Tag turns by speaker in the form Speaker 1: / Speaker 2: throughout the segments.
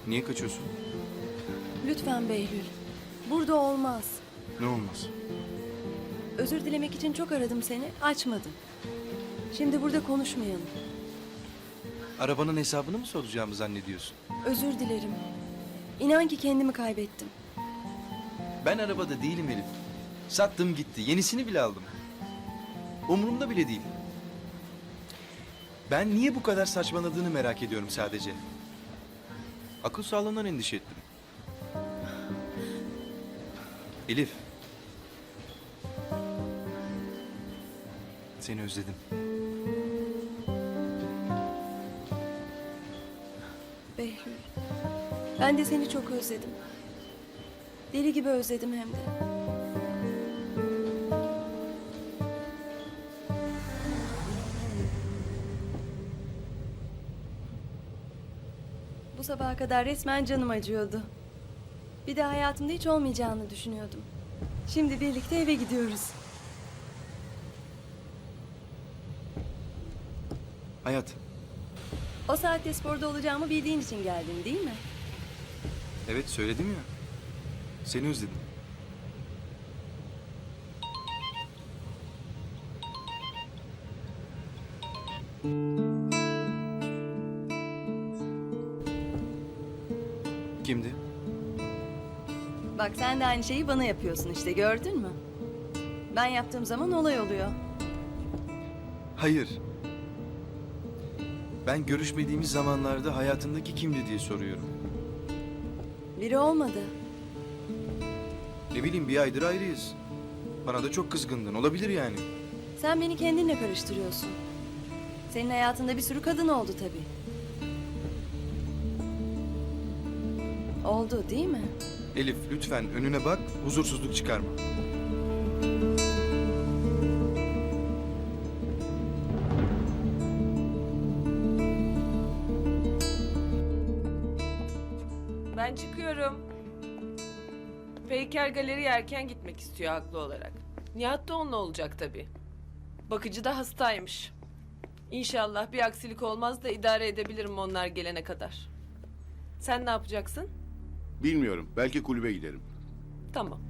Speaker 1: Niye kaçıyorsun?
Speaker 2: Lütfen Behlül. Burada olmaz.
Speaker 1: Ne olmaz?
Speaker 2: Özür dilemek için çok aradım seni, açmadın. Şimdi burada konuşmayalım.
Speaker 1: Arabanın hesabını mı soracağımı zannediyorsun?
Speaker 2: Özür dilerim. İnan ki kendimi kaybettim.
Speaker 1: Ben arabada değilim Elif. Sattım gitti. Yenisini bile aldım. Umurumda bile değil. Ben niye bu kadar saçmaladığını merak ediyorum sadece. Akıl sağlığından endişe ettim. Elif. Seni özledim.
Speaker 2: Behlül. Ben de seni çok özledim. Deli gibi özledim hem de. Bu sabaha kadar resmen canım acıyordu. Bir de hayatımda hiç olmayacağını düşünüyordum. Şimdi birlikte eve gidiyoruz.
Speaker 1: Hayat.
Speaker 2: O saatte sporda olacağımı bildiğin için geldin değil mi?
Speaker 1: Evet söyledim ya. Seni özledim. Kimdi?
Speaker 2: Bak sen de aynı şeyi bana yapıyorsun işte, gördün mü? Ben yaptığım zaman olay oluyor.
Speaker 1: Hayır. Ben görüşmediğimiz zamanlarda hayatındaki kimdi diye soruyorum.
Speaker 2: Biri olmadı.
Speaker 1: Ne bileyim, bir aydır ayrıyız. Bana da çok kızgındın. Olabilir yani.
Speaker 2: Sen beni kendinle karıştırıyorsun. Senin hayatında bir sürü kadın oldu tabii. Oldu değil mi?
Speaker 1: Elif lütfen önüne bak, huzursuzluk çıkarma.
Speaker 3: Ben çıkıyorum. Peyker galeriye erken gitmek istiyor haklı olarak. Nihat da onunla olacak tabii. Bakıcı da hastaymış. İnşallah bir aksilik olmaz da idare edebilirim onlar gelene kadar. Sen ne yapacaksın?
Speaker 4: Bilmiyorum. Belki kulübe giderim.
Speaker 3: Tamam.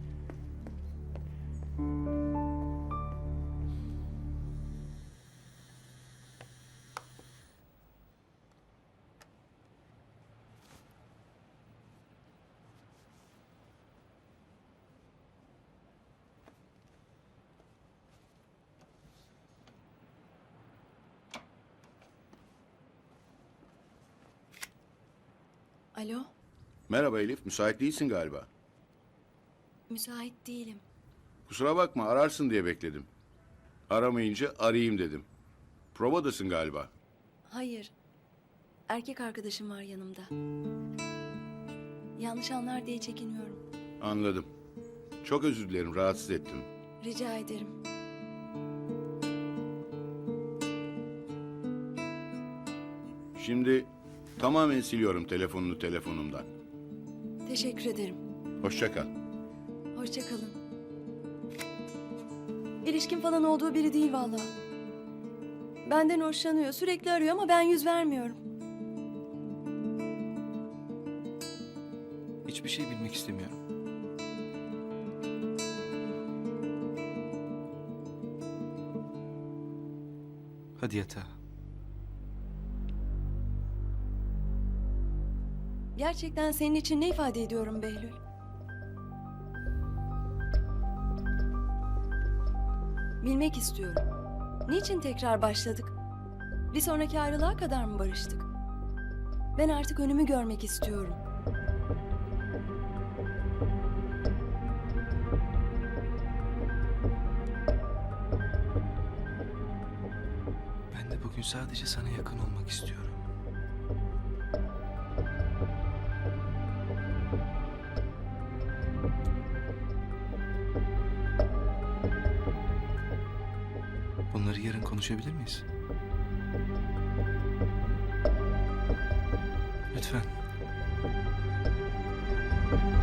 Speaker 2: Alo,
Speaker 4: Merhaba Elif. Müsait değilsin galiba.
Speaker 2: müsait değilim.
Speaker 4: Kusura bakma, ararsın diye bekledim. Aramayınca arayayım dedim. Provadasın galiba.
Speaker 2: Hayır, erkek arkadaşım var yanımda. Yanlış anlar diye çekiniyorum.
Speaker 4: Anladım. Çok özür dilerim, rahatsız ettim.
Speaker 2: Rica ederim.
Speaker 4: Şimdi tamamen siliyorum telefonunu telefonumdan.
Speaker 2: Teşekkür ederim.
Speaker 4: Hoşça kal.
Speaker 2: Hoşça kalın. İlişkin falan olduğu biri değil vallahi. Benden hoşlanıyor, sürekli arıyor ama ben yüz vermiyorum.
Speaker 1: Hiçbir şey bilmek istemiyorum. Hadi yatağa.
Speaker 2: Gerçekten senin için ne ifade ediyorum Behlül? Bilmek istiyorum. Niçin tekrar başladık? Bir sonraki ayrılığa kadar mı barıştık? Ben artık önümü görmek istiyorum.
Speaker 1: Ben de bugün sadece sana yakın olmak istiyorum. Bunları yarın konuşabilir miyiz? Lütfen.